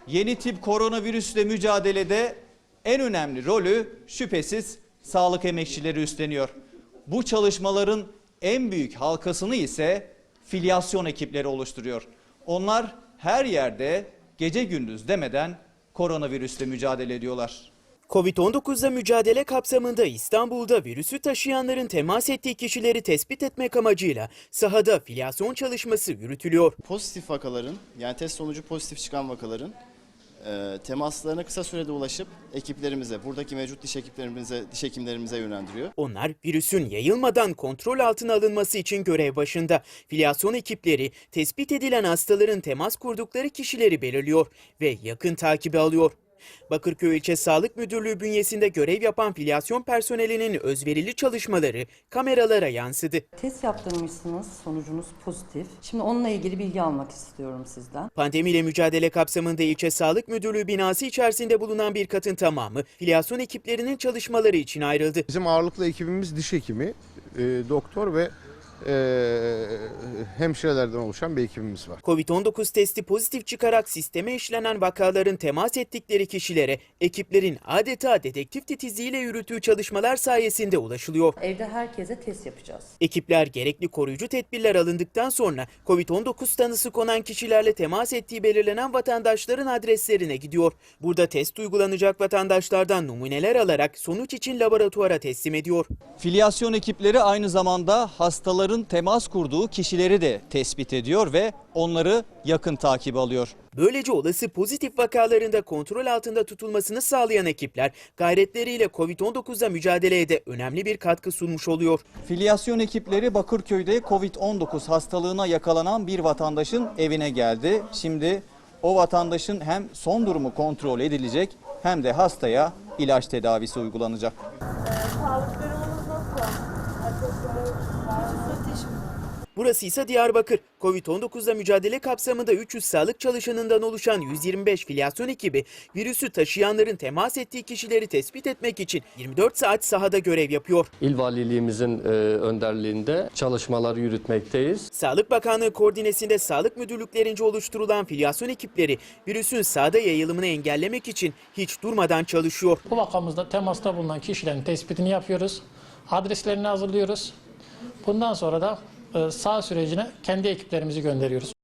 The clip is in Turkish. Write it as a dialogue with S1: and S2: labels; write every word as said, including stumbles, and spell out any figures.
S1: Yeni tip koronavirüsle mücadelede en önemli rolü şüphesiz sağlık emekçileri üstleniyor. Bu çalışmaların en büyük halkasını ise filyasyon ekipleri oluşturuyor. Onlar her yerde gece gündüz demeden koronavirüsle mücadele ediyorlar.
S2: Covid on dokuzla mücadele kapsamında İstanbul'da virüsü taşıyanların temas ettiği kişileri tespit etmek amacıyla sahada filyasyon çalışması yürütülüyor.
S3: Pozitif vakaların, yani test sonucu pozitif çıkan vakaların e, temaslarına kısa sürede ulaşıp ekiplerimize, buradaki mevcut diş ekiplerimize, diş hekimlerimize yönlendiriyor.
S2: Onlar virüsün yayılmadan kontrol altına alınması için görev başında. Filyasyon ekipleri tespit edilen hastaların temas kurdukları kişileri belirliyor ve yakın takibi alıyor. Bakırköy İlçe Sağlık Müdürlüğü bünyesinde görev yapan filyasyon personelinin özverili çalışmaları kameralara yansıdı.
S4: Test yaptırmışsınız, sonucunuz pozitif. Şimdi onunla ilgili bilgi almak istiyorum sizden.
S2: Pandemiyle mücadele kapsamında İlçe Sağlık Müdürlüğü binası içerisinde bulunan bir katın tamamı filyasyon ekiplerinin çalışmaları için ayrıldı.
S5: Bizim ağırlıklı ekibimiz diş hekimi, e, doktor ve e, hemşirelerden oluşan bir ekibimiz var.
S2: Covid on dokuz testi pozitif çıkarak sisteme işlenen vakaların temas ettikleri kişilere ekiplerin adeta dedektif titizliğiyle yürüttüğü çalışmalar sayesinde ulaşılıyor.
S4: Evde herkese test yapacağız.
S2: Ekipler gerekli koruyucu tedbirler alındıktan sonra Covid on dokuz tanısı konan kişilerle temas ettiği belirlenen vatandaşların adreslerine gidiyor. Burada test uygulanacak vatandaşlardan numuneler alarak sonuç için laboratuvara teslim ediyor.
S1: Filyasyon ekipleri aynı zamanda hastaların temas kurduğu kişileri de tespit ediyor ve onları yakın takip alıyor.
S2: Böylece olası pozitif vakalarında kontrol altında tutulmasını sağlayan ekipler gayretleriyle Covid on dokuzla mücadeleye de önemli bir katkı sunmuş oluyor.
S1: Filyasyon ekipleri Bakırköy'de Covid on dokuz hastalığına yakalanan bir vatandaşın evine geldi. Şimdi o vatandaşın hem son durumu kontrol edilecek hem de hastaya ilaç tedavisi uygulanacak.
S6: Sağlık durumunuz nasıl?
S2: Burası ise Diyarbakır. Covid on dokuzla mücadele kapsamında üç yüz sağlık çalışanından oluşan yüz yirmi beş filyasyon ekibi virüsü taşıyanların temas ettiği kişileri tespit etmek için yirmi dört saat sahada görev yapıyor.
S7: İl Valiliğimizin e, önderliğinde çalışmaları yürütmekteyiz.
S2: Sağlık Bakanlığı koordinesinde sağlık müdürlüklerince oluşturulan filyasyon ekipleri virüsün sahada yayılımını engellemek için hiç durmadan çalışıyor.
S8: Bu vakamızda temasta bulunan kişilerin tespitini yapıyoruz. Adreslerini hazırlıyoruz. Bundan sonra da sağ sürecine kendi ekiplerimizi gönderiyoruz.